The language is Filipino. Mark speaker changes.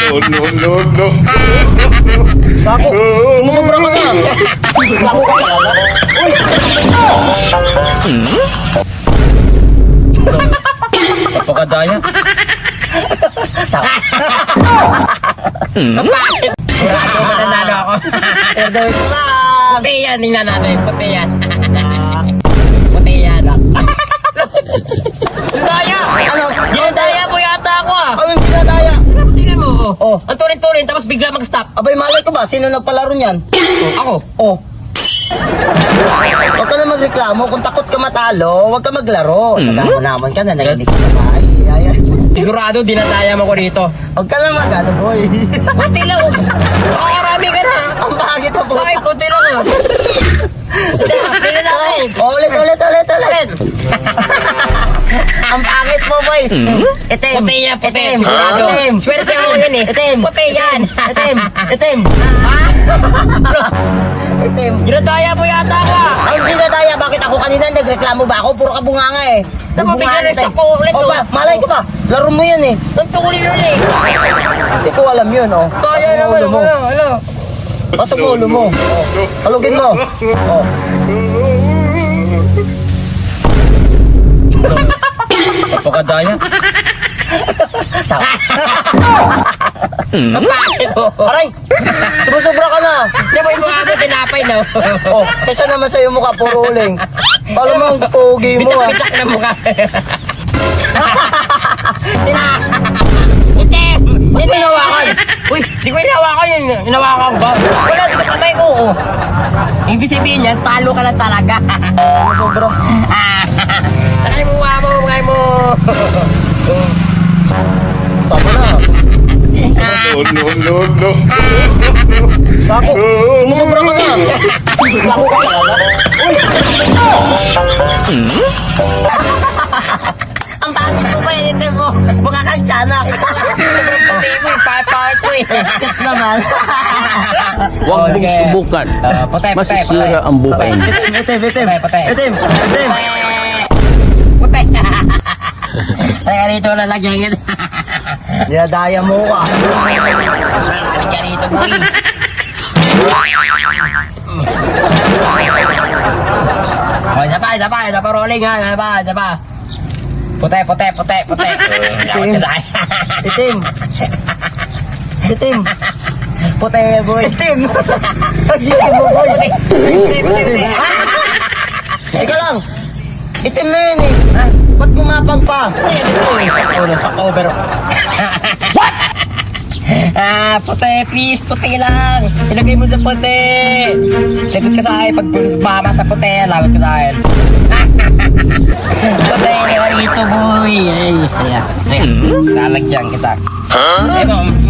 Speaker 1: no.
Speaker 2: Bako, sumusobra ka na. Bako ka na.
Speaker 3: Napakadaya. Bakit? Sigurado mananalo ako.
Speaker 2: Order ko lang.
Speaker 3: Puti yan, tingnan natin. Puti yan. Puti yan. Ang daya!
Speaker 2: Ano?
Speaker 3: Ginadaya mo yata ako ah!
Speaker 2: Ano yung dinadaya?
Speaker 3: Tingnan mo.
Speaker 2: Oh.
Speaker 3: Ang turin-turin, tapos bigla mag-stop.
Speaker 2: Abay, malay ko ba? Sino nagpalaro niyan?
Speaker 3: Ako.
Speaker 2: Oh. Huwag ka na magreklamo. Kung takot ka matalo, huwag ka maglaro. Nagamo-namon ka na, nainig ka na ba? Ay.
Speaker 3: Sigurado, dinadaya mo ko dito.
Speaker 2: Huwag ka na mag-ano, boy.
Speaker 3: Puti lang. Makakarami ka na.
Speaker 2: Ang bakit mo po?
Speaker 3: Bakit? Puti lang ah. Tingnan natin.
Speaker 2: Ulit. Ang pangit mo, boy. Itim.
Speaker 3: Puti yan, puti.
Speaker 2: Itim.
Speaker 3: Sigurado.
Speaker 2: Itim.
Speaker 3: Swerte ako yan eh.
Speaker 2: Itim.
Speaker 3: Puti yan.
Speaker 2: Itim. Itim.
Speaker 3: Ginadaya mo yata ako ah.
Speaker 2: Ang dinadaya, bakit ako kanina nagreklamo ba ako? Puro ka bunganga eh.
Speaker 3: Napabigyan
Speaker 2: Bunganga
Speaker 3: sa
Speaker 2: tayo.
Speaker 3: ko ulit,
Speaker 2: O
Speaker 3: oh.
Speaker 2: ba, malay ko ba? Laro mo yan eh.
Speaker 3: Tuntukulin ulit.
Speaker 2: Hindi ko alam yun, oh.
Speaker 3: Daya
Speaker 2: Pasok mo
Speaker 3: naman.
Speaker 2: ulo mo.
Speaker 3: Ano?
Speaker 2: Pasok mo ulo mo. Oh. Halugin mo. Oh.
Speaker 3: Napakadaya. Bakit mo?
Speaker 2: Aray! Sumusobra ka na.
Speaker 3: Di ba yung mukha mo tinapay na?
Speaker 2: Oh, kesa naman sa'yo mukha puro uling. Alam mo ang pogi mo ah.
Speaker 3: Bitak-bitak na mukha. Itim!
Speaker 2: Ba't mo hinawakan?
Speaker 3: Uy, di ko hinawakan yun. Hinawakan ba? Wala, di ko patay ko. Oh. Ibig sabihin yan, talo ka na talaga.
Speaker 2: Sumusobra.
Speaker 3: Takay mo mukha mo, mukha mo.
Speaker 2: Tama na.
Speaker 1: No.
Speaker 2: Bako, sumusobra ka na. Bako ka na. Ang pangit mo ba yun mo? Mukha kang tiyanak.
Speaker 3: Pati mo, ipapakit ko eh.
Speaker 2: Naman.
Speaker 4: Huwag mong subukan.
Speaker 3: Patay.
Speaker 4: Masisira ang buhay mo.
Speaker 3: Patay.
Speaker 2: Itim.
Speaker 3: Patay. Kaya rito lalagyan yan.
Speaker 2: Dinadaya mo ka.
Speaker 3: Kaya rito boy. Oh, isa pa rolling ha, isa pa. Puti.
Speaker 2: Itim. Puti, boy. Itim. Itim mo, boy.
Speaker 3: Puti.
Speaker 2: Ika lang. Itim na yun eh. Ba't gumapang pa?
Speaker 3: Over. What? Puti, please, puti lang. Ilagay mo sa puti. Lagot ka sa akin. Pag bama sa puti, lagot ka sa akin. Puti, rito boy. Ay, lalagyan kita. Ano,